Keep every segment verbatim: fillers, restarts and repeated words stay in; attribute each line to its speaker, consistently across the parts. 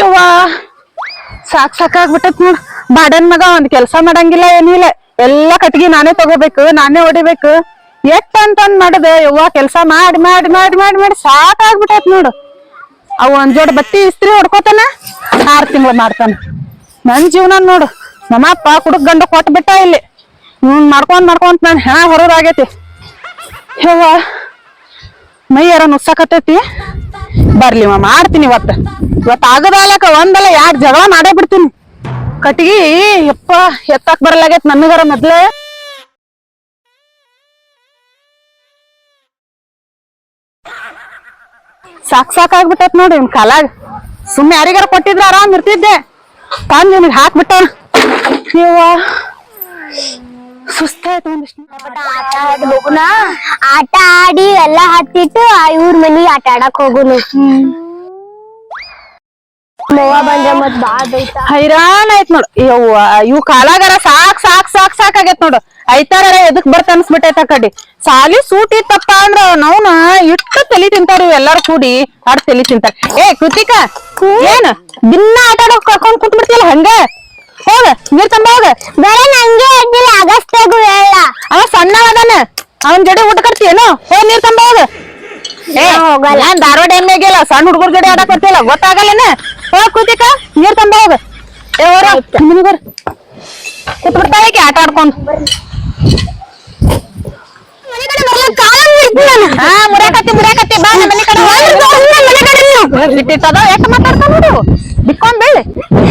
Speaker 1: ಯವ್ವ ಸಾಕ್ ಸಾಕಾಗ್ಬಿಟ್ಟತ್ ನೋಡ್. ಬಾಡನ್ ಮಗ ಒಂದ್ ಕೆಲ್ಸ ಮಾಡಂಗಿಲ್ಲ ಏನಿಲ್ಲ, ಎಲ್ಲಾ ಕಟ್ಗಿ ನಾನೇ ತಗೋಬೇಕು, ನಾನೇ ಹೊಡಿಬೇಕು. ಎಷ್ಟ್ ಅಂತಂದ್ ಮಾಡದ ಯವ್ವ ಕೆಲ್ಸ ಮಾಡಿ ಮಾಡಿ ಮಾಡಿ ಮಾಡಿ ಮಾಡಿ ಸಾಕಾಗ್ಬಿಟ್ಟೈತ್ ನೋಡು. ಅವ್ ಒಂದ್ ಜೋಡ್ ಬಟ್ಟಿ ಇಸ್ತ್ರಿ ಹೊಡ್ಕೋತಾನ, ಆರ್ ತಿಂಗಳು ಮಾಡ್ತಾನ. ನನ್ ಜೀವನ ನೋಡು, ನಮ್ಮಪ್ಪ ಕುಡುಕ್ ಗಂಡ ಕೊಟ್ಟು ಬಿಟ್ಟ ಇಲ್ಲಿ. ಹ್ಮ್ ಮಾಡ್ಕೊಂಡ್ ಮಾಡ್ಕೊಂತ ನಾನ್ ಹೆಣ ಹೊರದಾಗೈತಿ. ಯವ್ವ ಮೈ ಯಾರ ನುಸ್ಸಾಕತ್ತೈತಿ. ಬರ್ಲಿ ಮಾ ಮಾಡ್ತೀನಿ ಇವತ್ತ. ಇವತ್ತು ಆಗದಾಲಕ ಒಂದಲ್ಲ ಯಾಕೆ ಜಗಳ ಮಾಡೇ ಬಿಡ್ತೀನಿ. ಕಟ್ಗಿ ಯಪ್ಪ ಎತ್ತಾಕ್ ಬರಲಾಗೈತ್ ನನಗರ ಮೊದ್ಲೇ. ಸಾಕ್ ಸಾಕಾಗ್ಬಿಟ್ಟೈತ್ ನೋಡಿ ಇನ್ ಕಾಲಾಗ. ಸುಮ್ಮನೆ ಯಾರಿಗಾರ ಕೊಟ್ಟಿದ್ರ ಆರಾಮ್ ಇರ್ತಿದ್ದೆ. ತಂದ್ ನಿನಗ್ ಹಾಕ್ಬಿಟ್ಟ. ಯವ್ವ ಸುಸ್ತಾಯ್ತು ಒಂದಿಷ್ಟು.
Speaker 2: ಆಟ ಆಡಿ ಹೋಗುನ, ಆಟ ಆಡಿ ಎಲ್ಲಾ ಹತ್ತಿಟ್ಟು ಇವ್ರ ಮನಿ ಆಟ ಆಡಕ್ ಹೋಗುನು. ಮವ್ವ ಬಂದ್ರ ಮತ್ ಬಾಳ್ ಬೈತ.
Speaker 1: ಹೈರಾಣ ಆಯ್ತ್ ನೋಡು. ಯವ್ವ ಇವ್ ಕಾಲಾಗಾರ ಸಾಕ್ ಸಾಕ್ ಸಾಕ್ ಸಾಕ್ ಆಗೇತ್ ನೋಡು. ಐತಾರ ಎದಕ್ ಬರ್ತ ಅನ್ಸ್ಬಿಟ್ಟೈತ ಕಡಿ. ಸಾಲಿ ಸೂಟಿ ತಪ್ಪ ಅಂದ್ರ ನಾವ್ನ ಇಟ್ಟು ತಲಿ ತಿಂತಾರ ಎಲ್ಲಾರು ಕೂಡಿ ಆಡ್ ತಲಿ ತಿಂತಾರ. ಏ ಕೃತಿಕಾ ಏನ್ ದಿನ ಆಟ ಆಡೋಕ್ ಕರ್ಕೊಂಡ್ ಕುಂತ್ ಬಿಡ್ತಿಯಲ್ಲ ಹಂಗ. ಹೋಗ ನೀರ್ ತಂಬ ಹೋಗ.
Speaker 2: ಬೇರೆ ನಂಗೆ ಅಡ್ಡಿಲ್ಲ, ಆಗಸ್ತಾಗು ಹೇಳ.
Speaker 1: ಅವ ಸಣ್ಣ ಅದಾನ, ಅವನ್ ಜಡೆ ಊಟ ಕಟ್ತೀಯೇನು? ಹೋಗ್ ನೀರ್ ತಂಬ ಹೋಗ. ಏ ಹೋಗಲ್ಲ, ನಾನ್ ಧಾರವಾಡ ಎಮ್ಮೆಗಿಲ್ಲ ಸಣ್ಣ ಹುಡುಗರ ಜಡೆ ಆಡಕ್ ಬರ್ತಿಲ್ಲ, ಗೊತ್ತಾಗಲ್ಲೇನ? ಹೋಗ್ ಕೃತಿಕಾ ನೀರ್ ತಂಬ ಹೋಗ. ಏ ಹೋರ ಮನಿ ಬರ್ ಕೂತ್ ಬಿಡ್ತಾಳೆ ಆಟ ಆಡ್ಕೊಂಡ್. ಹಾ ಮುರ್ಯಾಕತ್ತಿ ಮುರ್ಯಾಕತ್ತಿ ಬಾ ನಮ್ಮ ಮನಿ ಕಡೆ ಬಿಟ್ಟಿಟ್ಟದ. ಎಷ್ಟ್ ಮಾತಾಡ್ತಾ ನೋಡು, ಬಿಕ್ಕೊಂಡ್ ಬೆಳ್ಳಿ.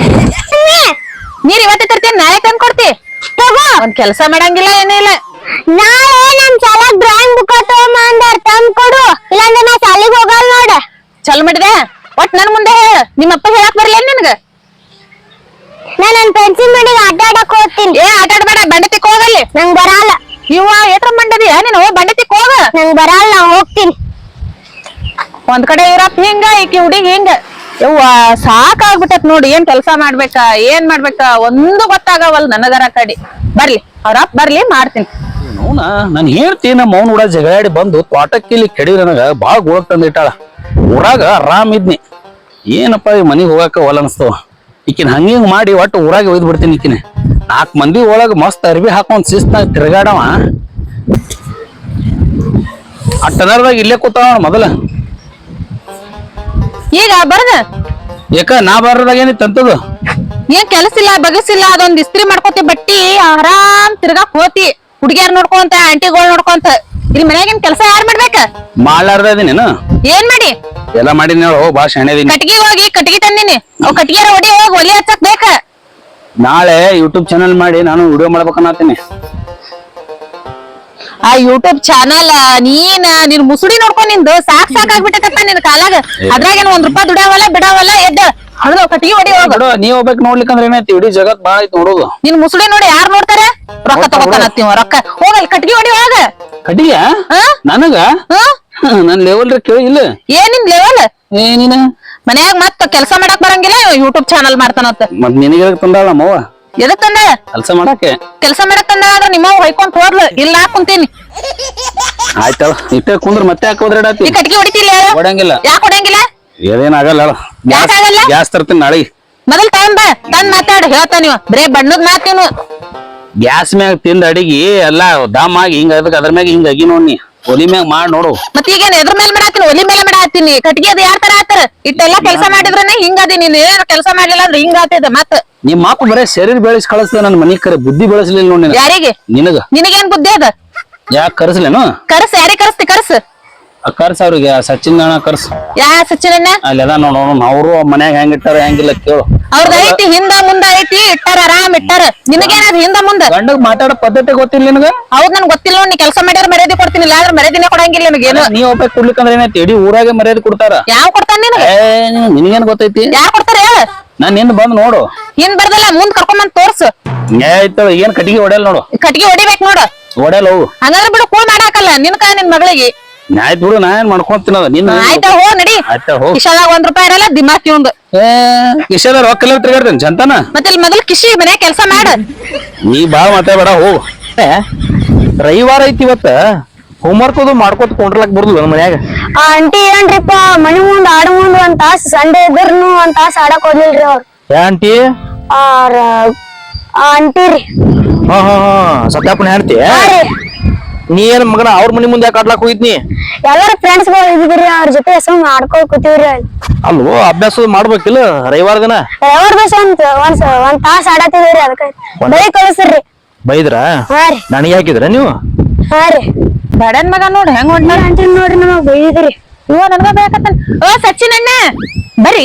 Speaker 1: ನೀರ್ ಇವತ್ತೇ ತರ್ತೀನಿ, ನಾಳೆ ತಂದ್ ಕೊಡ್ತಿ. ತಗೋ. ಒಂದ್ ಕೆಲ್ಸ ಮಾಡಂಗಿಲ್ಲ ಏನಿಲ್ಲ.
Speaker 2: ನಾಳೆ ನಮ್ ಶಾಲಾಗ್ ಡ್ರಾಯಿಂಗ್ ಬುಕ್ ತಗೊಂಬಂದಾರ, ತಂದ್ ಕೊಡು, ಇಲ್ಲಾಂದ್ರೆ ನಾ ಶಾಲಿಗ್ ಹೋಗಲ್ ನೋಡ.
Speaker 1: ಚಲ್ ಮಾಡಿದೆ ಒಟ್ ನನ್ ಮುಂದೆ ಹೇಳ. ನಿಮ್ಮಪ್ಪ ಹೇಳಕ್ ಬರ್ಲೇನ್ ನಿನ್ಗ?
Speaker 2: ನಾ ನನ್ ಪೆನ್ಸಿಲ್ ಮಡಿಗೆ ಆಟ ಆಡಕ್ ಹೋಗ್ತೀನಿ.
Speaker 1: ಏ ಆಟ ಆಡ್ಬೇಡ, ಬಂಡತಿಕ್ ಹೋಗಲ್ಲಿ.
Speaker 2: ನಂಗ್ ಬರಲ್ಲ.
Speaker 1: ಇವ ಏಟ್ರ ಮಂಡದಿಯ ನೀನು? ಬಂಡತಿಕ್ ಹೋಗ.
Speaker 2: ನಂಗ್ ಬರಲ್ಲ, ನಾ ಹೋಗ್ತೀನಿ.
Speaker 1: ಒಂದ್ ಕಡೆ ಇರಪ್ ಹಿಂಗ, ಈಕಿ ಹುಡುಗಿ ಹಿಂಗ. ಯವ್ವ ಸಾಕಾಗ್ಬಿಟ್ಟತ್ ನೋಡಿ. ಏನ್ ಕೆಲ್ಸ ಮಾಡ್ಬೇಕಾ ಏನ್ ಮಾಡ್ಬೇಕಾ ಒಂದು ಗೊತ್ತಾಗವಲ್ ನನಗರ ಕಡಿ. ಬರ್ಲಿ ಅವ್ರಪ್ಪ ಬರ್ಲಿ ಮಾಡ್ತೀನಿ.
Speaker 3: ನೋನ ನನ್ ಹೇಳ್ತಿ ನಮ್ಮ ಮೌನ್ ಕೂಡ ಜಗಳಾಡಿ ಬಂದು ತೋಟಕ್ಕಿಲ್ಲಿ ಕೆಡಿ ನನಗ ಬಾಳ ಗೋಳಕ್ ತಂದಿಟ್ಟಾಳ. ಊರಾಗ ಆರಾಮ್ ಇದ್ನಿ, ಏನಪ್ಪ ಈ ಮನಿಗ್ ಹೋಗಾಕ ಒಲ ಅನ್ಸ್ತವ. ಈಕಿನ ಹಂಗಿಂಗ್ ಮಾಡಿ ಒಟ್ಟು ಊರಾಗ ಒಯ್ದು ಬಿಡ್ತೀನಿ. ಈಕಿನ ನಾಲ್ಕು ಮಂದಿ ಒಳಗ ಮಸ್ತ್ ಅರ್ಬಿ ಹಾಕೊಂಡ್ ಶಿಸ್ತಾಗ ತಿರ್ಗಾಡವ. ಆ ಟನರ್ದಾಗ ಇಲ್ಲೇ ಕೂತಾವ ಮೊದಲ.
Speaker 1: ಈಗ ಬರ್ದ
Speaker 3: ಯಾಕ ನಾ ಬರದಾಗ ಏನಿತ್ತು ಅಂತದು?
Speaker 1: ಏನ್ ಕೆಲಸ ಇಲ್ಲ ಬಗಸಿಲ್ಲ, ಅದೊಂದ್ ಇಸ್ತ್ರಿ ಮಾಡ್ಕೋತಿ ಬಟ್ಟಿ ಆರಾಮ್ ತಿರ್ಗಾಕ್ ಹೋತಿ. ಹುಡ್ಗ್ಯಾರ್ ನೋಡ್ಕೊಂತ ಆಂಟಿಗಳು ನೋಡ್ಕೊಂತ. ಇಲ್ಲಿ ಮನ್ಯಾಗಿನ್ ಕೆಲಸ ಯಾರ್ ಮಾಡ್ಬೇಕ?
Speaker 3: ಮಾಡ್ಲಾರ್ದ ಇದೀನೇನು?
Speaker 1: ಏನ್ ಮಾಡಿ
Speaker 3: ಎಲ್ಲಾ ಮಾಡಿನ ಬಾ ಶಾಣೆ ಇದೀನಿ.
Speaker 1: ಕಟ್ಗಿ ಹೋಗಿ ಕಟ್ಗಿ ತಂದಿನಿ, ಅವ್ ಕಟ್ಗಿಯಾರ ಹೊಡಿ ಹೋಗಿ ಒಲಿ ಹಚ್ಚಕ್ ಬೇಕ.
Speaker 3: ನಾಳೆ ಯೂಟ್ಯೂಬ್ ಚಾನಲ್ ಮಾಡಿ ನಾನು ವಿಡಿಯೋ ಮಾಡ್ಬೇಕನ್ನತೀನಿ.
Speaker 1: ಆ ಯೂಟ್ಯೂಬ್ ಚಾನಲ್ ನೀನ್ ನಿನ್ ಮುಸುಡಿ ನೋಡ್ಕೊಂಡ್ ನಿಂದು ಸಾಕ್ ಸಾಕಾಗ್ಬಿಟ್ಟೈತಪ್ಪ ನಿನ್ ಕಾಲಾಗ. ಅದ್ರಾಗೇನ್ ಒಂದ್ ರೂಪಾಯಿ ದುಡಿಯಾವಲ್ಲ ಬಿಡಾವಲ್ಲ. ಎದ್ದ ಹಣದ ಕಟ್ಗಿ ಹೊಡಿ ಹೋಗ.
Speaker 3: ನೀವ್ ಹೋಗ್ಬೇಕು ನೋಡ್ಲಿಕ್ಕಂದ್ರೆ ಏನೈತಿ, ಇಡೀ ಜಗತ್ ಬಾಳ ಐತಿ ನೋಡೋದು.
Speaker 1: ನಿನ್ ಮುಸುಡಿ ನೋಡಿ ಯಾರು ನೋಡ್ತಾರೆ? ರೊಕ್ಕ ತಗೋತಾನತ್ತೀವ ರೊಕ್ಕ. ಹೋಗಲ್ ಕಟ್ಗಿ ಹೊಡಿ ಹೋಗ.
Speaker 3: ಕಟ್ಟಿಗೆ ನನಗ ನನ್ ಲೆವೆಲ್ ಕೇಳಿ ಇಲ್ಲ.
Speaker 1: ಏನಿನ್ ಲೆವೆಲ್?
Speaker 3: ಏನಿನ
Speaker 1: ಮನ್ಯಾಗ ಮತ್ತ ಕೆಲ್ಸ ಮಾಡಕ್ ಬರಂಗಿಲ್ಲ, ಯೂಟ್ಯೂಬ್ ಚಾನಲ್ ಮಾಡ್ತಾನತ್ತ.
Speaker 3: ಮತ್ ನಿನಗೆ ತಂದಾಳ ನಮ್ಮವ್ವ
Speaker 1: ಎದಕ್ ತಂದ?
Speaker 3: ಕೆಲ್ಸ ಮಾಡಕ್ಕೆ.
Speaker 1: ಕೆಲ್ಸ ಮಾಡಕ್ ತಂದ ಆದ್ರ ನಿಮ್ಮವ್ ಹೊಯ್ಕೊಂತ ಹೋದ್ಲು, ಇಲ್ಲ ಕುಂತೀನಿ.
Speaker 3: ಆಯ್ತಲ್ಲ ಇಟ್ಟೆ ಕುಂದ್ರ ಮತ್ತೆ ಯಾಕೆ ಹೋದ್ರಾಡತಿ?
Speaker 1: ಈ ಕಟ್ಗಿ ಹೊಡಿತಿಲ್ಲ?
Speaker 3: ಹೊಡಂಗಿಲ್ಲ.
Speaker 1: ಯಾಕೆ ಹೊಡಂಗಿಲ್ಲ?
Speaker 3: ಏನೇನಾಗಲ್ಲ, ಗ್ಯಾಸ್ ತರ್ತೀನಿ ನಾಳೆಗೆ.
Speaker 1: ಮೊದಲ್ ಟೈಮ್ ಬಾ ತಂದ್ ಮಾತಾಡ. ಹೇಳ್ತಾ ನೀವ ಬರೇ ಬಣ್ಣದ್ ಮಾತ್ ನೀನು.
Speaker 3: ಗ್ಯಾಸ್ ಮ್ಯಾಗ ತಿಂದ ಅಡಿಗೆ ಎಲ್ಲಾ ದಾಮ್ ಆಗಿ ಹಿಂಗ ಅದಕ್ಕೆ ಅದ್ರ ಮ್ಯಾಗ ಹಿಂಗ ಅಗಿ ನೋಡ್ನಿ, ಒಲಿ ಮ್ಯಾಗ ಮಾಡಿ ನೋಡು.
Speaker 1: ಮತ್ ಈಗೇನ್ ಎದ್ರ ಮೇಲೆ ಮಾಡಾತೀನಿ? ಒಲಿ ಮೇಲೆ ಮಾಡಾತೀನಿ. ಕಟ್ಗಿ ಅದು ಯಾರ ತರ ಆತರ? ಇಟ್ಟೆಲ್ಲಾ ಕೆಲಸ ಮಾಡಿದ್ರನೆ ಹಿಂಗದಿ. ನೀನ್ ಏನ್ ಕೆಲಸ ಮಾಡ್ಲಿಲ್ಲ ಅಂದ್ರೆ ಹಿಂಗ ಆತದ. ಮತ್
Speaker 3: ನಿಮ್ ಮಾಕು ಬರೇ ಶರೀರ ಬೆಳೆಸಿ ಕಳಿಸ್ದ, ನನ್ ಮನಿ ಕರೆ ಬುದ್ಧಿ ಬೆಳೆಸಲಿಲ್ಲ ನೋಡಿ.
Speaker 1: ಯಾರಿಗೆ?
Speaker 3: ನಿನಗ.
Speaker 1: ನಿನಗೇನ್ ಬುದ್ಧಿ ಅದ?
Speaker 3: ಯಾಕೆ ಕರ್ಸ್ಲೇನು?
Speaker 1: ಕರ್ಸ್. ಯಾರಿಗೆ ಕರ್ಸ್ತಿ? ಕರ್ಸ್
Speaker 3: ಕರ್ಸ ಅವ್ರಿಗೆ. ಸಚಿನ್ ಅಣ್ಣ ಕರ್ಸ್.
Speaker 1: ಯಾ ಸಚಿನ್?
Speaker 3: ಅಲ್ಲಿ ಅದ ನೋಡ, ಅವ್ರು ಮನ್ಯಾಗ ಹೆಂಗ್ ಇಟ್ಟಾರ ಹೆಂಗಿಲ್ಲ ಕೇಳು.
Speaker 1: ಅವ್ರದ್ ಐತಿ ಹಿಂದ ಮುಂದ ಐತಿ, ಇಟ್ಟಾರ ಆರಾಮ್ ಇಟ್ಟಾರ. ನಿನಗೇನದ ಹಿಂದ ಮುಂದ?
Speaker 3: ಗಂಡಗ್ ಮಾತಾಡೋ ಪದ್ಧತಿ ಗೊತ್ತಿಲ್ಲ ನಿನಗ?
Speaker 1: ಹೌದ್ ನನ್ ಗೊತ್ತಿಲ್ಲ. ನೀ ಕೆಲಸ ಮಾಡ್ಯಾರ ಮರ್ಯಾದೆ ಕೊಡ್ತೀನಿ, ಇಲ್ಲ ಆದ್ರೆ ಮರ್ಯಾದಿನೇ ಕೊಡಂಗಿಲ್ಲ ನಿನಗೇನು.
Speaker 3: ನೀ ಒಬ್ಬ ಕೊಡ್ಲಿಕ್ಕಂದ್ರೆ ಏನೈತಿ, ಇಡೀ ಊರಾಗೆ ಮರ್ಯಾದೆ ಕೊಡ್ತಾರ.
Speaker 1: ಯಾವ ಕೊಡ್ತಾನ ನಿನಗ?
Speaker 3: ನಿನಗೇನ್ ಗೊತ್ತೈತಿ?
Speaker 1: ಯಾರು ಕೊಡ್ತಾರ ಹೇಳ?
Speaker 3: ನಾನ್ ನಿಂದ ಬಂದ್ ನೋಡು.
Speaker 1: ಹಿಂದ್ ಬರ್ದಲ್ಲ ಮುಂದ್ ಕರ್ಕೊಂಡ್ ತೋರ್ಸು.
Speaker 3: ಆಯ್ತು, ಏನ್ ಕಟ್ಟಿಗೆ ಹೊಡೆಯಲ್ ನೋಡು.
Speaker 1: ಕಟ್ಗಿ ಹೊಡಿಬೇಕು ನೋಡು.
Speaker 3: ಹೊಡೆಯಲ್ಲ ಹೋಗು.
Speaker 1: ಹಂಗಂದ್ರೆ ಬಿಡು, ಕೂಳ್ ಮಾಡಾಕಲ್ಲ ನಿನ್ಕ ನಿನ್ ಮಗಳಿಗೆ.
Speaker 3: ಆಯ್ತು ಬಿಡು, ನಾ ಏನ್ ಮಾಡ್ಕೊಂತಿನದ ನಿನ್ನ.
Speaker 1: ಆಯ್ತಾ ಹೋ ನಡಿ.
Speaker 3: ಆಯ್ತಾ ಹೋಗ್.
Speaker 1: ಕಿಶಾದಾಗ ಒಂದ್ ರೂಪಾಯಿ ಇರಲ್ಲ, ದಿಮಾಕಿ ಒಂದು.
Speaker 3: ಕಿಶದ ರೊಕ್ಕ ಎಲ್ಲ ತಿರ್ಗಾಡ್ತೇನೆ ಜಂತಾನ.
Speaker 1: ಮತ್ತೆ ಇಲ್ಲಿ ಮೊದಲು ಕಿಶಿ ಮನೆ ಕೆಲಸ ಮಾಡ.
Speaker 3: ನೀ ಬಾಳ ಮಾತಾಡ್ಬೇಡ ಹೋಗು. ರವಿವಾರ ಐತಿ ಇವತ್ತ, ಹೋಮ್ವರ್ಕ್ ಅದು ಮಾಡ್ಕೊತ ಕೊಂಡ್ರಲಕ್ ಬರ್ದು ಮನ್ಯಾಗ.
Speaker 2: ಆಂಟಿ ಏನ್ರಿಪ್ಪ ಮನಿ ಮುಂದ್ ಆಡ ಮುಂದ್ ಒಂದ್ ತಾಸ್ ಸಂಡೆ ಇದ್ರನು ಒಂದ್ ತಾಸ್ ಆಡಕ್ ಹೋಗ್ಲಿಲ್ರಿ ಅವ್ರು
Speaker 4: ಯಾ ಆಂಟಿ
Speaker 2: ಅವ್ರ ಅಂಟಿರಿ
Speaker 4: ಹಾ ಹಾ ಹಾ ಸತ್ಯಾಪನ ಹೇಳ್ತಿ ನೀ ಏನ್ ಮಗನ ಅವ್ರ ಮನಿ ಮುಂದೆ ಯಾಕೆ ಆಡ್ಲಾಕ್ ಹೋಗಿದ್ನಿ
Speaker 2: ಎಲ್ಲಾರ ಫ್ರೆಂಡ್ಸ್ ಗಳು ಇದ್ರಿ ಅವ್ರ ಜೊತೆ ಸುಮ್ ಆಡ್ಕೊಳ್ ಕೂತಿವ್ರಿ
Speaker 4: ಅಲ್ವೋ ಅಭ್ಯಾಸ ಮಾಡ್ಬೇಕಿಲ್ಲ ರವಿವಾರ ದಿನ
Speaker 2: ಯಾವ್ರ ದಿವಸ ಒಂದ್ ಒಂದ್ ಒಂದ್ ತಾಸ್ ಆಡತಿದ್ರಿ ಅದಕ್ಕ ಬೈ ಕಳಿಸ್ರಿ
Speaker 4: ಬೈದ್ರ
Speaker 2: ಹಾ ರೀ
Speaker 4: ನನಗೆ ಹಾಕಿದ್ರ ನೀವು
Speaker 2: ಹಾ ರೀ
Speaker 1: ಬಡನ್ ಮಗ ನೋಡ್ ಹೆಂಗ್ ಹೊಂಟ
Speaker 2: ಅಂಟಿ ನೋಡ್ರಿ ನಮಗ್ ಬೈದಿದ್ರಿ
Speaker 1: ಇವ ನನ್ಗ ಬೇಕತ್ತ ಓ ಸಚಿನ್ ಅಣ್ಣ ಬರ್ರಿ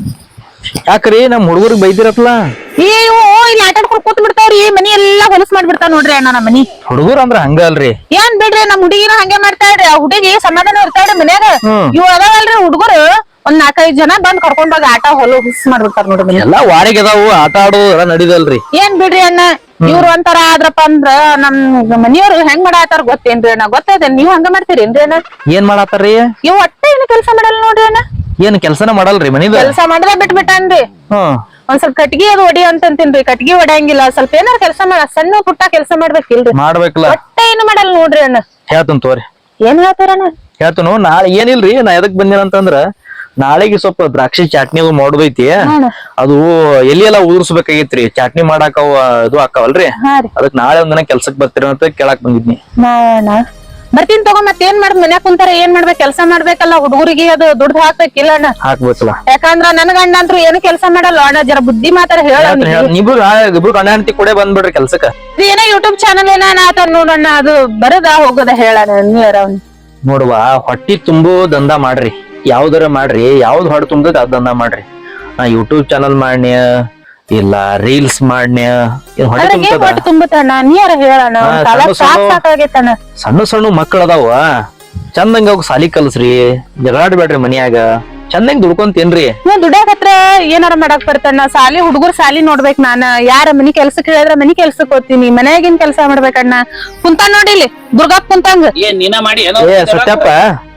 Speaker 4: ಯಾಕ್ರಿ ನಮ್ ಹುಡುಗರಿಗೆ ಬೈದಿರತ್ಲ
Speaker 1: ಏ ಇವು ಇಲ್ಲಿ ಆಟ ಆಡ್ಕೊಂಡ್ ಕೂತ್ ಬಿಡ್ತಾವ್ರಿ ಮನಿ ಎಲ್ಲಾ ಹೊಲಸ್ ಮಾಡ್ಬಿಡ್ತಾವ ನೋಡ್ರಿ ಅಣ್ಣ ನಮ್ಮ ಮನಿ
Speaker 4: ಹುಡುಗರು ಅಂದ್ರ ಹಂಗ ಅಲ್ರಿ
Speaker 1: ಏನ್ ಬಿಡ್ರಿ ನಮ್ ಹುಡುಗಿನ ಹಂಗೆ ಮಾಡ್ತಾಳ್ರಿ ಆ ಹುಡುಗಿ ಸಮಾಧಾನ ಇರ್ತಾಳ್ರಿ ಮನ್ಯಾಗ ಇವ್ ಅದಾವಲ್ರಿ ಹುಡುಗರು ಒಂದ್ ನಾಲ್ಕೈದ್ ಜನ ಬಂದ್ ಕರ್ಕೊಂಡ್ ಹೋಗಿ ಆಟ ಹೊಲ ಹುಸ್ ಮಾಡ್ಬಿಡ್ತಾರ ನೋಡ್ರಿ ಮನಿ
Speaker 4: ಎಲ್ಲಾ ವಾರಿಗೆ ಅದಾವು ಆಟ ಆಡೋದು ಎಲ್ಲ ನಡಿದಲ್ರಿ
Speaker 1: ಏನ್ ಬಿಡ್ರಿ ಅಣ್ಣ ಇವ್ರು ಒಂಥರ ಆದ್ರಪ್ಪ ಅಂದ್ರ ನಮ್ ಮನಿಯವ್ರು ಹೆಂಗ್ ಮಾಡಾತಾರ ಗೊತ್ತೇನ್ರಿ ಅಣ್ಣ ಗೊತ್ತೈತೇನ್ ನೀವ್ ಹಂಗ ಮಾಡ್ತೀರೇನ್ರಿ ಅಣ್ಣ
Speaker 4: ಏನ್ ಮಾಡಾತಾರ್ರಿ
Speaker 1: ಇವ್ ಒಟ್ಟ ಏನು ಕೆಲ್ಸ ಮಾಡಲ್ಲ ನೋಡ್ರಿ ಅಣ್ಣ
Speaker 4: ಏನ್ ಕೆಲ್ಸನ ಮಾಡಲ್ರಿ ಮನಿದ
Speaker 1: ಕೆಲ್ಸ ಮಾಡದ ಬಿಟ್ ಬಿಟ್ಟನ್ರಿ
Speaker 4: ಹ್ಮ್
Speaker 1: ಒಂದ್ ಸ್ವಲ್ಪ ಕಟ್ಗಿ ಅದು ಹೊಡಿ ಅಂತಂತೀನ್ರಿ ಕಟ್ಗಿ ಹೊಡ್ಯಂಗಿಲ್ಲ ಸ್ವಲ್ಪ ಏನಾರ ಕೆಲಸ ಮಾಡ ಸಣ್ಣ ಪುಟ್ಟ ಕೆಲಸ ಮಾಡ್ಬೇಕಿಲ್ರಿ
Speaker 4: ಮಾಡ್ಬೇಕಲ್ಲ
Speaker 1: ಒಟ್ಟ ಏನು ಮಾಡಲ್ಲ ನೋಡ್ರಿ ಅಣ್ಣ
Speaker 4: ಹೇಳ್ತನ್ ತೋರಿ
Speaker 1: ಏನ್ ಹೇಳ್ತಾರಣ್ಣ
Speaker 4: ಹೇಳ್ತನು ನಾಳೆ ಏನಿಲ್ರಿ ನಾ ಎದಕ್ ಬಂದೇನಂತಂದ್ರ ನಾಳೆಗೆ ಸ್ವಲ್ಪ ದ್ರಾಕ್ಷಿ ಚಟ್ನಿ ಅದು ಮಾಡೋದೈತಿ ಅದು ಎಲ್ಲಿ ಎಲ್ಲಾ ಉದುರ್ಸ್ಬೇಕಾಗೈತ್ರಿ ಚಟ್ನಿ ಮಾಡಾಕ ಅವ ಇದು ಹಾಕವಲ್ರಿ
Speaker 1: ಹಾ ರೀ
Speaker 4: ಅದಕ್ ನಾಳೆ ಒಂದಿನ ಕೆಲ್ಸಕ್ ಬರ್ತೀರ ಅಂತ ಕೇಳಾಕ್ ಬಂದಿದ್ನಿ
Speaker 1: ಮಾಡೋಣ ಬರ್ತೀನಿ ತಗೋ ಮತ್ ಏನ್ ಮಾಡ್ದ್ ಮನ್ಯಾಗ ಕುಂತಾರ ಏನ್ ಮಾಡ್ಬೇಕು ಕೆಲಸ ಮಾಡ್ಬೇಕಲ್ಲ ಹುಡುಗರಿಗೆ ಅದು ದುಡ್ಡು ಹಾಕ್ಬೇಕಿಲ್ಲ ಅಣ್ಣ
Speaker 4: ಹಾಕ್ಬೇಕಲ್ಲ
Speaker 1: ಯಾಕಂದ್ರ ನನ್ ಗಂಡ ಅಂತೂ ಏನು ಕೆಲಸ ಮಾಡಲ್ಲ ಅಣ್ಣ ಜರ ಬುದ್ಧಿ ಮಾತಾರ ಹೇಳ
Speaker 4: ಇಬ್ರು ಇಬ್ರು ಗಂಡ ಹೆಂಡತಿ ಕೂಡ ಬಂದ್ಬಿಡ್ರಿ ಕೆಲ್ಸಕ್ಕ
Speaker 1: ಏನೋ ಯೂಟ್ಯೂಬ್ ಚಾನಲ್ ಏನ ಆತ ನೋಡಣ್ಣ ಅದು ಬರದ ಹೋಗೋದ ಹೇಳಣ್ಣ ನೀರ ಅವ್ನು
Speaker 4: ನೋಡುವ ಹೊಟ್ಟಿ ತುಂಬು ದಂಧ ಮಾಡ್ರಿ ಯಾವ್ದಾರ ಮಾಡ್ರಿ ಯಾವ್ದ್ ಹೊಟ್ಟೆ ತುಂಬದ ಅದ್ ದಂಧ ಮಾಡ್ರಿ ನಾ ಯೂಟ್ಯೂಬ್ ಚಾನಲ್ ಮಾಡ್ನ್ಯ ಇಲ್ಲ ರೀಲ್ಸ್ ಮಾಡ್ನ್ಯ ಏನ್ ಹೊಟ್ಟೆ
Speaker 1: ಅದ್ರಾಗ ಏನ್
Speaker 4: ತುಂಬತದ
Speaker 1: ಒಟ್ಟು ತುಂಬುತ್ತಣ್ಣ ನೀರ ಹೇಳಣ್ಣ
Speaker 4: ಹಾ,
Speaker 1: ಕಾಲ
Speaker 4: ಸಣ್ಣ
Speaker 1: ಸಾಕ್
Speaker 4: ಸಣ್ಣ-
Speaker 1: ಸಾಕಾಗೈತಣ್ಣ
Speaker 4: ಸಣ್ಣ ಸಣ್ಣ ಮಕ್ಕಳ ಅದಾವ ಚಂದಂಗ ಅವ್ ಸಾಲಿ ಕಲ್ಸ್ರಿ ಜಗಳಾಡ್ಬೇಡ್ರಿ ಮನ್ಯಾಗ ಚಂದಂಗ್ ದುಡ್ಕೊಂತೇನ್ರಿ
Speaker 1: ನೀವ್ ದುಡ್ಯಾಕತ್ರ ಏನಾರ ಮಾಡಕ್ ಬರ್ತಣ್ಣ ಸಾಲಿ ಹುಡುಗರ್ ಸಾಲಿ ನೋಡ್ಬೇಕ್ ನಾನ ಯಾರ ಮನಿ ಕೆಲ್ಸಕ್ಕೆ ಹೇಳಿದ್ರ ಮನಿ ಕೆಲ್ಸಕ್ ಹೋಗ್ತೀನಿ ಮನ್ಯಾಗಿನ್ ಕೆಲ್ಸ ಮಾಡ್ಬೇಕಣ್ಣ ಕುಂತ ನೋಡಿಲಿ ದುರ್ಗಾಪ್ ಕುಂತಂಗ
Speaker 3: ಏನ್ ನೀನ ಮಾಡಿ
Speaker 4: ಏ ಸತ್ಯಪ್ಪ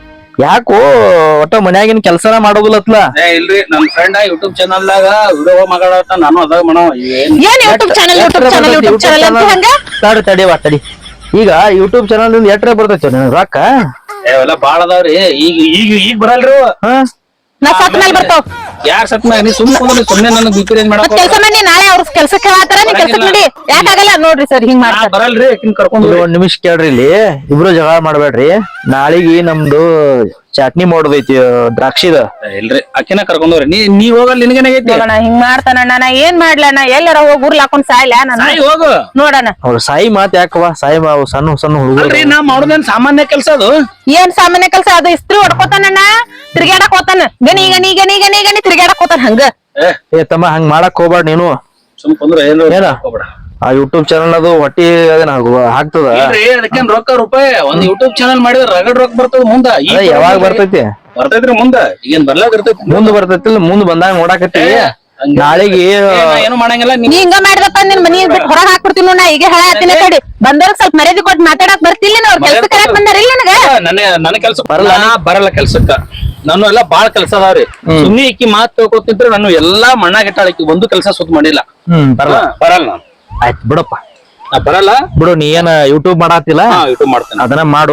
Speaker 4: ಯಾಕೋ ಒಟ್ಟ ಮನ್ಯಾಗಿನ ಕೆಲ್ಸನ ಮಾಡೋದಿಲ್ಲತ್ಲ
Speaker 3: ಏ ಇಲ್ರಿ ನಮ್ ಫ್ರೆಂಡ್ ಯೂಟ್ಯೂಬ್ ಚಾನಲ್ ದಾಗ ವಿಡಿಯೋ ಮಾಡಾಟ ನಾನು ಅದಾಗ ಮಾಡೋ ಏನ್
Speaker 1: ಏನ್ YouTube channel YouTube channel YouTube channel ಅಂತ ಹಂಗ
Speaker 4: ತಡಿ ತಡಿವಾ ತಡಿ ಈಗ ಯೂಟ್ಯೂಬ್ ಚಾನಲ್ ನಿಂದ ಎಟ್ರೆ ಬರ್ತೈತಿ ನನಗ್ ರೊಕ್ಕ
Speaker 3: ಅವೆಲ್ಲ ಬಾಳ ಅದಾವ್ರಿ ಈಗ ಈಗ ಈಗ ಬರಲ್ರಿ ಅವ.
Speaker 4: ಹಾ
Speaker 1: ನಾ ಸತ್ ಮೇಲೆ ಬರ್ತಾವ್
Speaker 3: ಯಾರ್ ಸತ್ ಮ್ಯಾಗ ನೀ ಸುಮ್ ಕುಂದ್ರಿ ಸುಮ್ನೆ ನನಗ್ ಬಿಪಿ ರೇಂಜ್
Speaker 1: ಮತ್
Speaker 3: ಮಾಡಕ್
Speaker 1: ಕೆಲ್ಸ ಮಾಡಿ ನಾಳೆ ಅವ್ರ ಕೆಲ್ಸಕ್ಕೆ ಹೇಳತ್ತಾರ ನೀ ಕೆಲ್ಸಕ್ ನಡಿ ಯಾಕಾಗಲ್ಲ ನೋಡ್ರಿ ಸರ್ ಹಿಂಗ್
Speaker 3: ನಾ
Speaker 1: ಮಾಡ್ತಾರ
Speaker 3: ಬರಲ್ರಿ ಆಕಿನ್ ಕರ್ಕೊಂಡ್
Speaker 4: ಇದು ಒಂದ್ ನಿಮಿಷ ಕೇಳ್ರಿ ಇಲ್ಲಿ ಇಬ್ರು ಜಗಳ ಮಾಡ್ಬೇಡ್ರಿ ನಾಳಿಗಿ ನಮ್ದು ಚಟ್ನಿ ಮಾಡೋದೈತಿ ದ್ರಾಕ್ಷಿದ
Speaker 3: ಇಲ್ರಿ ಅಕ್ಕಿನ ಕರ್ಕೊಂಡವ್ರಿ ನೀ ನೀ ಹೋಗಲ್ ನಿನಗೇನಾಗೈತಿ
Speaker 1: ನೋಡಣ ಹಿಂಗ್ ಮಾಡ್ತಾನಣ್ಣ ನಾ ಏನ್ ಮಾಡ್ಲಣ್ಣ ಎಲ್ಲಾರ ಹೋಗಿ ಉರ್ಲ್ ಹಾಕೊಂಡ್ ಸಾಯ್ಲ ನಾನು
Speaker 3: ಸಾಯಿ ಹೋಗು
Speaker 1: ನೋಡಣ
Speaker 4: ಅವ್ರ ಸಾಯಿ ಮಾತ್ ಯಾಕವ ಸಾಯಿ ಮಾವು ಸಣ್ಣ ಸಣ್ಣ ಹುಡುಗರು
Speaker 3: ಅಲ್ರಿ ನಾ ಮಾಡೋದೇನ್ ಸಾಮಾನ್ಯ ಕೆಲ್ಸ ಅದು
Speaker 1: ಏನ್ ಸಾಮಾನ್ಯ ಕೆಲ್ಸ ಅದು ಇಸ್ತ್ರಿ ಹೊಡ್ಕೋತಾನಣ್ಣ ತಿರ್ಗಾಡಕ್ ಹೋತಾನ ಗನಿ ಗನಿ ಗನಿ ಗನಿ ಗನಿ ತಿರ್ಗಾಡಕ್ ಹೋತಾನ ಹಂಗ
Speaker 3: ಏ
Speaker 4: ಏ ತಮ್ಮ ಹಂಗ್ ಮಾಡಕ್ ಹೋಗ್ಬೇಡ ನೀನು
Speaker 3: ಸುಮ್ ಕುಂದ್ರ ಏನ್
Speaker 4: ಏನ?
Speaker 3: ಹೋಗ್ಬೇಡ
Speaker 4: ಆ ಯೂಟ್ಯೂಬ್ ಚಾನಲ್ ಅದು ಹೊಟ್ಟಿ ಅದೇನ ಹಾಕ್ತದ
Speaker 3: ಇಲ್ರಿ ಅದಕ್ಕೇನ್ ರೊಕ್ಕ ರೂಪಾಯಿ ಒಂದ್ ಯೂಟ್ಯೂಬ್ ಚಾನಲ್ ಮಾಡಿದ್ರ ರಗಡ್ ರೊಕ್ಕ ಬರ್ತದ ಮುಂದ ಈಗ
Speaker 4: ಅದ ಯಾವಾಗ ಬರ್ತೈತಿ
Speaker 3: ಬರ್ತೈತ್ರಿ ಮುಂದ ಈಗೇನ್ ಬರ್ಲಾಗ ಇರ್ತೈತಿ
Speaker 4: ಮುಂದ್ ಬರ್ತೈತಿಲ್ಲ ಮುಂದ್ ಬಂದಾಗ ನೋಡಾಕತ್ತೀವಿ ನಾಳೆಗೆ
Speaker 3: ಏನು ಮಾಡಂಗಿಲ್ಲ
Speaker 1: ನೀ ಹಿಂಗ ಮಾಡಿದಪ್ಪ ನಿನ್ ಮನಿ ಬಿಟ್ಟು ಹೊರಗ್ ಹಾಕ್ಬಿಡ್ತೀನಿ ನೋಡ ಈಗ ಹೇಳತ್ತೀನಿ ಕಡಿ ಬಂದವ್ರ ಸ್ವಲ್ಪ ಮರ್ಯಾದೆ ಕೊಟ್ಟು ಮಾತಾಡಕ್ ಬರ್ತಿಲ್ಲ ಅವ್ರ ಕೆಲ್ಸ ಕರೆಕ್ಟ್ ಬಂದಾರ ಇಲ್ಲ ನನಗ
Speaker 3: ನನ್ನ ನನ್ನ ಕೆಲ್ಸ ಬರಲ್ಲ ಬರಲ್ಲ ಕೆಲ್ಸಕ್ಕ ನಾನು ಎಲ್ಲಾ ಬಾಳ ಕೆಲ್ಸ ಅದಾವ್ರಿ ಸುಮ್ನಿ ಇಕ್ಕಿ ಮಾತ್ ತಿಳ್ಕೊತಿದ್ರೆ ನಾನು ಎಲ್ಲಾ ಮಣ್ಣಾಗಿಟ್ಟಾಳ ಇಕ್ಕಿ ಒಂದು ಕೆಲ್ಸ ಸುತ್ತ ಮಾಡಿಲ್ಲ
Speaker 4: ಹ್ಮ್ ಬರಲ್ಲ
Speaker 3: ಬರಲ್ಲ ನಾನು
Speaker 4: ಆಯ್ತು ಬಿಡಪ್ಪ
Speaker 3: ನಾ ಬರಲ್ಲ
Speaker 4: ಬಿಡು ನೀ ಏನ ಯೂಟ್ಯೂಬ್ ಮಾಡಾತಿಲ್ಲ
Speaker 3: ಹಾ ಯೂಟ್ಯೂಬ್ ಮಾಡ್ತೇನೆ
Speaker 4: ಅದನ್ನ ಮಾಡು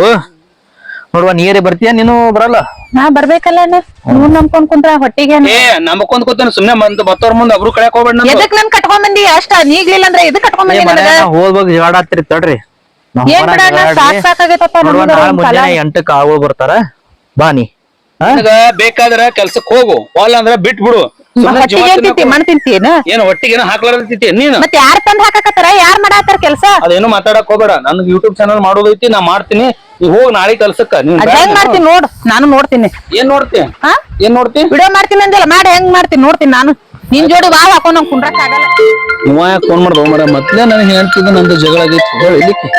Speaker 4: ನೋಡುವ ನೀರೇ ಬರ್ತೀಯ ನೀನು ಬರಲ್ಲ
Speaker 1: ನಾ ಬರ್ಬೇಕಲ್ಲ ಅಣ್ಣ ನೀವ್ ನಂಬ್ಕೊಂಡ್ ಕುಂತ್ರ ಹೊಟ್ಟಿಗೆ
Speaker 3: ಏ ನಮಕೊಂದ್ ಕೂತಾನೆ ಸುಮ್ನೆ ಬಂದ್ ಬತ್ತವ್ರ ಮುಂದೆ ಒಬ್ರು ಕಳ್ಯಾಕ್ ಹೋಗ್ಬೇಡ ನಾನು
Speaker 1: ಎದಕ್ ನನ್ ಕಟ್ಕೊಂಡ್ ಬಂದಿ ಅಷ್ಟ ನೀಗ್ಲಿಲ್ಲ ಅಂದ್ರೆ ಎದಕ್ ಕಟ್ಕೊಂಡ್
Speaker 4: ಏ
Speaker 1: ಬಂದಿ ನನಗ
Speaker 4: ಮನ್ಯಾಗ ಹೋಗ್ಬೇಕು ಜಗಾಡಾತಿರಿ ತಡ್ರಿ ನಾವ್
Speaker 1: ಏನ್
Speaker 4: ಹೊರಗ್
Speaker 1: ಬಿಡಣ್ಣ
Speaker 4: ಜಗಾಡ್ರಿ.
Speaker 1: ಸಾಕ್ ಸಾಕಾಗೈತಪ್ಪ
Speaker 4: ನೋಡುವ
Speaker 1: ನಮ್ಗರ
Speaker 4: ನಾಳೆ
Speaker 1: ಒಂದ್ ಕಾಲ.
Speaker 4: ಮುಂಜಾನೆ ಎಂಟಕ್ಕೆ ಆಳು ಬರ್ತಾರ ಬಾ ನೀ ಹಾ?
Speaker 3: ನನಗ ಬೇಕಾದ್ರ ಕೆಲ್ಸಕ್ ಹೋಗು ಹೊಲ ಅಂದ್ರ ಬಿಟ್ ಬಿಡು ಸುಮ್ನೆ ಜೀವ
Speaker 1: ಹೊಟ್ಟಿಗೆ
Speaker 3: ತಿನ್ನಕ್
Speaker 1: ತಿಂತಿ ಮಣ್ ತಿಂತೀನ
Speaker 3: ಏನ್ ಹೊಟ್ಟಿಗೆ ಏನೋ ಹಾಕ್ಲಾರ್ದೈತಿ ನೀನು
Speaker 1: ಮತ್ ಯಾರ್ ತಂದ್ ಹಾಕಾಕತ್ತಾರ ಯಾರ್ ಮಾಡಾತಾರ ಕೆಲ್ಸ
Speaker 3: ಅದೇನು ಮಾತಾಡಕ್ ಹೋಗ್ಬೇಡ ನನ್ಗೆ ಯೂಟ್ಯೂಬ್ ಚಾನಲ್ ಮಾಡೋದೈತಿ ನಾ ಮಾಡ್ತೀನಿ ನೀ ಹೋಗ್ ನಾಳೆ ಕೆಲ್ಸಕ್ಕ ನೀನ್
Speaker 1: ಅದ್
Speaker 3: ಬ್ಯಾಡ
Speaker 1: ಹೆಂಗ್
Speaker 3: ನೀನು.
Speaker 1: ಮಾಡ್ತೀನಿ ನೋಡು ನಾನು ನೋಡ್ತೀನಿ
Speaker 3: ಏನ್ ನೋಡ್ತಿ
Speaker 1: ಹಾ
Speaker 3: ಏನ್ ನೋಡ್ತಿ
Speaker 1: ವಿಡಿಯೋ ಮಾಡ್ತೀನಿ ಅಂದಿಲ್ಲ ಮಾಡಿ ಹೆಂಗ್ ಮಾಡ್ತೀನಿ ನೋಡ್ತೀನಿ ನಾನು ನಿನ್ ಜೋಡಿ ವಾವ್ ಹಾಕೊಂಡ್ ನಂಗ್ ಕುಂಡ್ರಕ್ ಆಗಲ್ಲ
Speaker 3: ನೀವ ಯಾಕೆ ಫೋನ್ ಮಾಡ್ದವ ಮರ ಮೊದ್ಲೇ ನನಗೆ ಹೇಳ್ತಿದ್ದ ನಂದು ಜಗಳ ಆಗೈತಿ ಹೇಳಿ ಇಲ್ಲಿಕ್ಕೆ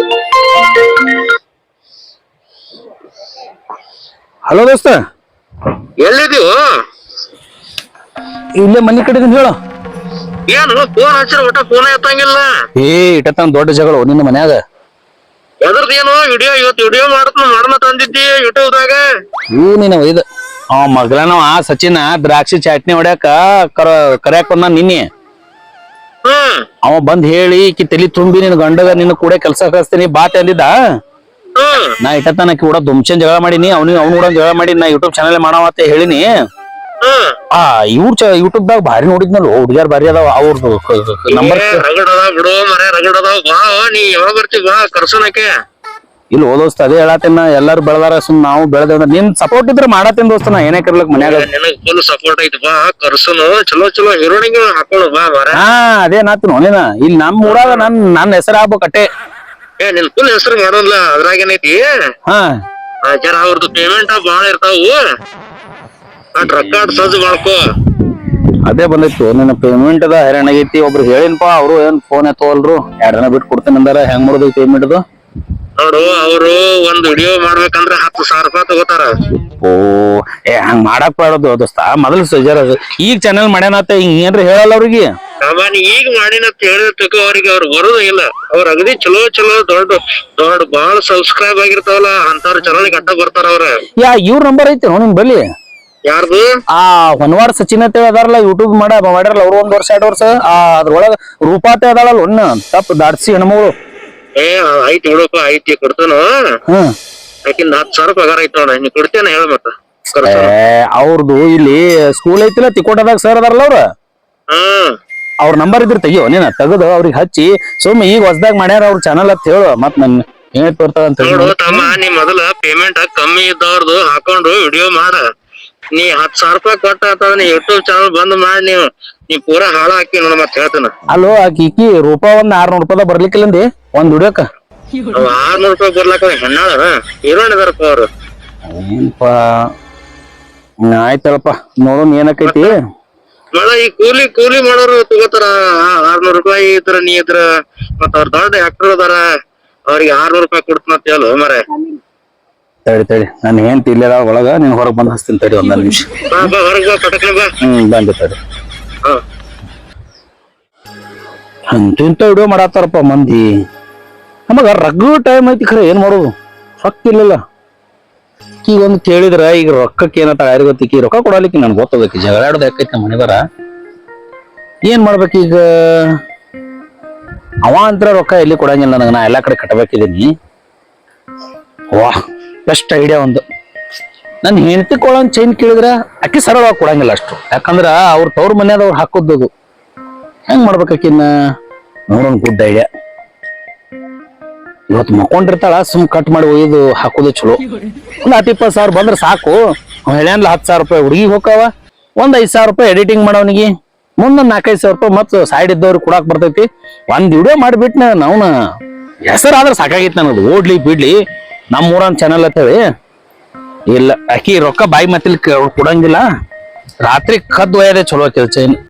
Speaker 3: ಹಲೋ ದೋಸ್ತ
Speaker 5: ಎಲ್ಲಿದೀವು
Speaker 3: ಇಲ್ಲೇ ಮನಿ ಕಡೆ ಇದೀನಿ ಹೇಳು
Speaker 5: ಏನು ಫೋನ್ ಹಚ್ಚಿರ ಒಟ್ಟ ಫೋನ್ ಎತ್ತಂಗಿಲ್ಲ
Speaker 3: ಏ ಇಟ್ಟತನ ದೊಡ್ಡ ಜಗಳ ನಿನ್ನ ಮನ್ಯಾಗ
Speaker 5: ಎದ್ರದೇನು ವಿಡಿಯೋ ಇವತ್ತು ವಿಡಿಯೋ ಮಾಡತ್ನ ಮಾಡನ ತಂದಿದ್ದಿ ಯೂಟ್ಯೂಬ್ ದಾಗ
Speaker 3: ಇವ್ ನೀನ ಇದು ಅವ ಮಗಳನವ ಸಚಿನ ದ್ರಾಕ್ಷಿ ಚಟ್ನಿ ಹೊಡ್ಯಾಕ ಕರ ಕರ್ಯಾಕ್ ಬಂದ ನಿನ್ನೆ
Speaker 5: ಹ್ಮ್
Speaker 3: ಅವ ಬಂದ್ ಹೇಳಿ ಈಕಿ ತಲಿ ತುಂಬಿ ನಿನ್ ಗಂಡಗ ನಿನ್ನ ಕೂಡ ಕೆಲ್ಸ ಕಳಿಸ್ತೀನಿ ಬಾತ್ ಅಂದಿದ್ದ
Speaker 5: ಹ್ಮ್
Speaker 3: ನಾ ಇಟ್ಟತನ ಕೂಡ ದುಮ್ಚನ್ ಜಗಳ ಮಾಡೀನಿ ಅವ್ನಿಗೆ ಅವ್ನು ಕೂಡ ಜಗಳ ಮಾಡಿ ನಾ ಯೂಟ್ಯೂಬ್ ಚಾನಲ್ ಮಾಡಾವ ಅಂತ ಹೇಳಿನಿ
Speaker 5: ಹ್ಮ್
Speaker 3: ಆ ಇವ್ರ ಚ ಯೂಟ್ಯೂಬ್ ದಾಗ ಭಾರಿ ನೋಡಿದ್ನಲ್ಲ ಹುಡುಗ್ಯಾರ ಭಾರಿ ಅದಾವ ಅವ್ರದ್ದು ನಂಬರ್
Speaker 5: ಏ, ರಗಡ್ ಅದಾವ ಬಿಡು ಮರ ರಗಡ್ ಅದಾವ ಬಾ ನೀ ಯಾವಾಗ ಬರ್ತೀವಿ ಬಾ ಕರ್ಸೋನಕ್ಕೆ
Speaker 3: ಇಲ್ಲಿ ಓದೋಸ್ತ ಅದೇ ಹೇಳತ್ತೇನ ಎಲ್ಲಾರು ಬೆಳೆದಾರ ಸುಮ್ ನಾವು ಬೆಳೆದೇವ ಅಂದ್ರೆ ನಿನ್ ಸಪೋರ್ಟ್ ಇದ್ರೆ ಮಾಡತ್ತೇನ್ ದೋಸ್ತ ನಾ ಏನೇ ಕರ್ಲಕ್ ಮನ್ಯಾಗ
Speaker 5: ನಿನಗ್ ಫುಲ್ ಸಪೋರ್ಟ್ ಐತಿ ಬಾ ಕರ್ಸೋನು ಚಲೋ ಚಲೋ ಹೀರೋಣಿಗೆ ಹಾಕೊಳ್ಳು ಬಾ ಮರ
Speaker 3: ಹಾ ಅದೇ ನಾತು ನೋಡಿನ ಇಲ್ಲಿ ನಮ್ ಊರಾಗ ನನ್ ನನ್ ಹೆಸರು ಆಗ್ಬೇಕಟ್ಟೆ
Speaker 5: ಏ ನಿನ್ ಫುಲ್ ಹೆಸರು ಮಾಡೋಲ್ಲ ಅದ್ರಾಗೇನೈತಿ
Speaker 3: ಹಾ
Speaker 5: ಆ, ಜರ ಅವ್ರದ್ದು ಪೇಮೆಂಟ್ ಬಾಳ ಇರ್ತಾವು ಅಟ್ ರೊಕ್ಕ ಸಜ್ಜು ಮಾಡ್ಕೋ
Speaker 3: ಅದೇ ಬಂದೈತು ನಿನ್ನ ಪೇಮೆಂಟ್ ಅದ ಹೈರಾಣ ಆಗೈತಿ ಒಬ್ರು ಹೇಳಿನ್ಪಾ ಅವ್ರು ಏನ್ ಫೋನ್ ಎತ್ತವಲ್ರು ಎರಡ್ ದಿನ ಬಿಟ್ಟು ಕೊಡ್ತೇನೆ ಅಂದಾರ ಹೆಂಗ್ ಮಾಡೋದು ಪೇಮೆಂಟ್ ಅದು
Speaker 5: ನೋಡು ಅವರು ಒಂದ್ ವಿಡಿಯೋ ಮಾಡ್ಬೇಕಂದ್ರ ಹತ್ತು ಸಾವಿರ ರೂಪಾಯಿ ತಗೋತಾರ
Speaker 3: ಓ ಏ ಹಂಗ್ ಮಾಡಕ್ ಬಾಡದು ದೋಸ್ತ ಮೊದಲು ಸಜಾರ ಈಗ ಚಾನೆಲ್ ಮಾಡ್ಯಾನತ್ತ ಹಿಂಗ್ ಏನ್ರಿ ಹೇಳಲ್ಲ ಅವ್ರಿಗೆ
Speaker 5: ಸಾಮಾನ್ಯ ಈಗ ಮಾಡಿನ ಹೇಳಿದಕ್ಕೆ ಅವ್ರಿಗೆ ಅವ್ರು ಬರೋದು ಇಲ್ಲ ಅವ್ರ ಅಗದಿ ಚಲೋ ಚಲೋ ದೊಡ್ಡ ದೊಡ್ಡ ಬಾಳ ಸಬ್ಸ್ಕ್ರೈಬ್ ಆಗಿರ್ತಾವಲ್ಲ ಅಂತವ್ರ ಚಾನಲ್ ಗಟ್ಟ ಬರ್ತಾರ ಅವ್ರ
Speaker 3: ಯಾ ಇವ್ರ ನಂಬರ್ ಐತಿ ನಿಮ್ ಬಲ್ಲಿ
Speaker 5: ಯಾರ್ದು
Speaker 3: ಆ ಹೊನ್ವಾಡ ಸಚಿನ್ ಅಂತ ಅದಾರಲ್ಲ ಯೂಟ್ಯೂಬ್ ಮಾಡ ಮಾಡ್ಯಾರಲ್ಲ ಅವ್ರು ಒಂದ್ ವರ್ಷ ಎರಡ್ ವರ್ಷ ಆ ಅದ್ರೊಳಗ ರೂಪಾತೆ ಅದಾಳಲ್ಲ ಒಣ್ಣ ತಪ್ಪ ದಾಡ್ಸಿ ಹೆಣ್ಮಗಳು
Speaker 5: ಏ ಐತಿ ಬಿಡಪ್ಪ ಐತಿ ಕೊಡ್ತಾನು
Speaker 3: ಹ್ಮ್
Speaker 5: ಆಕಿಂದ ಹತ್ತು ಸಾವಿರ ಪಗಾರ ಐತಿ ನೋಡ ನೀ ಕೊಡ್ತೇನ ಹೇಳ ಮತ್ತ
Speaker 3: ಏ ಅವ್ರದ್ದು ಇಲ್ಲಿ ಸ್ಕೂಲ್ ಐತಿಲ್ಲ ತಿಕೋಟದಾಗ ಸರ್ ಅದಾರಲ್ಲ ಅವ್ರ
Speaker 5: ಹ್ಮ್
Speaker 3: ಅವ್ರ ನಂಬರ್ ಇದ್ರ ತೆಗಿಯೋ ನೀನ ತೆಗದು ಅವ್ರಿಗೆ ಹಚ್ಚಿ ಸುಮ್ ಈಗ ಹೊಸದಾಗ ಮಾಡ್ಯಾರ ಅವ್ರ ಚಾನಲ್ ಅಂತ ಹೇಳು ಮತ್ ನನ್ ಏನ್ ಬರ್ತಾವ ಅಂತ
Speaker 5: ನೋಡು ತಮ್ಮ ನೀ ಮೊದಲ ಪೇಮೆಂಟ್ ಕಮ್ಮಿ ಇದ್ದವ್ರದ್ದು ಹಾಕೊಂಡು ವಿಡಿಯೋ ಮಾಡ ನೀ ಹತ್ ಸಾವಿರ ರೂಪಾಯಿ ಕೊಟ್ಟ ಅಥವಾ ನೀ ಯೂಟ್ಯೂಬ್ ಚಾನಲ್ ಬಂದ್ ಮಾಡಿ ನೀವು ನೀ ಪೂರಾ ಹಾಳ ಹಾಕಿ ನೋಡ ಮತ್ ಹೇಳ್ತಾನ
Speaker 3: ಅಲ್ಲೋ ಆಕಿ ಈಕಿ ರೂಪಾ ಒಂದ್ ಆರ್ನೂರ್ ರೂಪಾಯಿ ಬರ್ಲಿಕ್ಕಿಲ್ಲಂದಿ ಒಂದ್ ದುಡಿಯೋಕ
Speaker 5: ಅವ್ ಆರ್ನೂರ್ ರೂಪಾಯಿ ಬರ್ಲಾಕ ಹೆಣ್ಣಾಳ ಹೀರೋನ್ ಇದಾರಪ್ಪ ಅವ್ರು
Speaker 3: ಏನಪ್ಪಾ ಆಯ್ತಳಪ್ಪ ನೋಡೋಣ ಏನಕ್ಕೈತಿ
Speaker 5: ಮಳ ಈ ಕೂಲಿ ಕೂಲಿ ಮಾಡೋರು ತಗೋತಾರ ಆರ್ನೂರ್ ರೂಪಾಯಿ ಇದ್ರ ನೀ ಇದ್ರ ಮತ್ತ ಅವ್ರ ದೊಡ್ಡ ಆಕ್ಟರ್ ಅದಾರ ಅವ್ರಿಗೆ ಆರ್ನೂರ್ ರೂಪಾಯಿ ಕೊಡ್ತಾನ ಅಂತ ಹೇಳು ಮರ
Speaker 3: ತಡಿ ತಡಿ ನಾನು ಏನ್ ತಿರ್ಲಿಲ್ಲ ಒಳಗ ನೀನ್ ಹೊರಗ್ ಬಂದ್ ಹಚ್ತೀನಿ ತಡಿ ಒಂದ್ ನಿಮಿಷ
Speaker 5: ಬಾ ಬಾ ಹೊರಗ್ ಬಾ ಪಟಕ್ನ ಬಾ
Speaker 3: ಹ್ಮ್ ಬಂದೆ ತಡಿ
Speaker 5: ಹಾ
Speaker 3: ಅಂತ ಇಂತ ವಿಡಿಯೋ ಮಾಡತ್ತಾರಪ್ಪ ಮಂದಿ ನಮಗ ರಗ್ಗು ಟೈಮ್ ಐತಿ ಖರೆ ಏನ್ ಮಾಡೋದು ರೊಕ್ಕ ಇರ್ಲಿಲ್ಲ ಈಗ ಒಂದ್ ಕೇಳಿದ್ರ ಈಗ ರೊಕ್ಕಕ್ಕೆ ಏನತ್ತ ಯಾರಿಗ ಗೊತ್ತಿಕ್ಕಿ ರೊಕ್ಕ ಕೊಡಲಿಕ್ಕೆ ನನ್ಗೆ ಗೊತ್ತದಕ್ಕೆ ಜಗಳ ಆಡೋದು ಯಾಕೈತಿ ನಮ್ಮ ಮನೆ ಬರ ಏನ್ ಮಾಡ್ಬೇಕೀಗ ಅವ ಅಂತರ ರೊಕ್ಕ ಎಲ್ಲಿ ಕೊಡಂಗಿಲ್ಲ ನನಗ ನಾ ಎಲ್ಲಾ ಕಡೆ ಕಟ್ಟಬೇಕಿದ್ದೀನಿ ವಾ ಬೆಸ್ಟ್ ಐಡಿಯಾ ಒಂದು ನನ್ ಹೆಂಡತಿ ಕೊಳನ್ ಚೈನ್ ಕೇಳಿದ್ರ ಅಕ್ಕಿ ಸರಳವಾಗಿ ಕೊಡಂಗಿಲ್ಲ ಅಷ್ಟು ಯಾಕಂದ್ರ ಅವ್ರ ತವ್ರ ಮನ್ಯಾದವ್ರು ಹಾಕೋದದು ಹೆಂಗ್ ಮಾಡ್ಬೇಕಾಕಿನ್ನ ನೋಡೋಣ ಗುಡ್ ಐಡಿಯಾ ಇವತ್ತು ಮಕ್ಕೊಂಡಿರ್ತಾಳ ಸುಮ್ ಕಟ್ ಮಾಡಿ ಒಯ್ದು ಹಾಕೋದು ಚಲೋ ಒಂದ್ ಹತ್ತು ಇಪ್ಪತ್ತು ಸಾವಿರ ಬಂದ್ರೆ ಸಾಕು ಹೇಳ್ಯಾನ್ಲ ಹತ್ತು ಸಾವಿರ ರೂಪಾಯಿ ಹುಡುಗಿ ಹೋಕಾವ ಒಂದ್ ಐದ್ ಸಾವಿರ ರೂಪಾಯಿ ಎಡಿಟಿಂಗ್ ಮಾಡೋನಿಗೆ ಮುಂದೊಂದ್ ನಾಲ್ಕೈದು ಸಾವಿರ ರೂಪಾಯಿ ಮತ್ ಸೈಡ್ ಇದ್ದವ್ರಿಗೆ ಕೊಡಾಕ್ ಬರ್ತೈತಿ ಒಂದ್ ವಿಡಿಯೋ ಮಾಡ್ಬಿಟ್ನ ನಾವ್ನ ಹೆಸರಾದ್ರೆ ಸಾಕಾಗಿತ್ತು ನನಗೆ ಓಡ್ಲಿ ಬಿಡ್ಲಿ ನಮ್ಮ ಊರನ್ ಚಾನಲ್ ಅಂತೇಳಿ ಇಲ್ಲ ಆಕಿ ರೊಕ್ಕ ಬಾಯಿ ಮತ್ತಿಲ್ ಕೊಡಂಗಿಲ್ಲ ರಾತ್ರಿ ಕದ್ದು ಒಯ್ಯದೆ ಚಲೋ ಕೆಲ್ಸ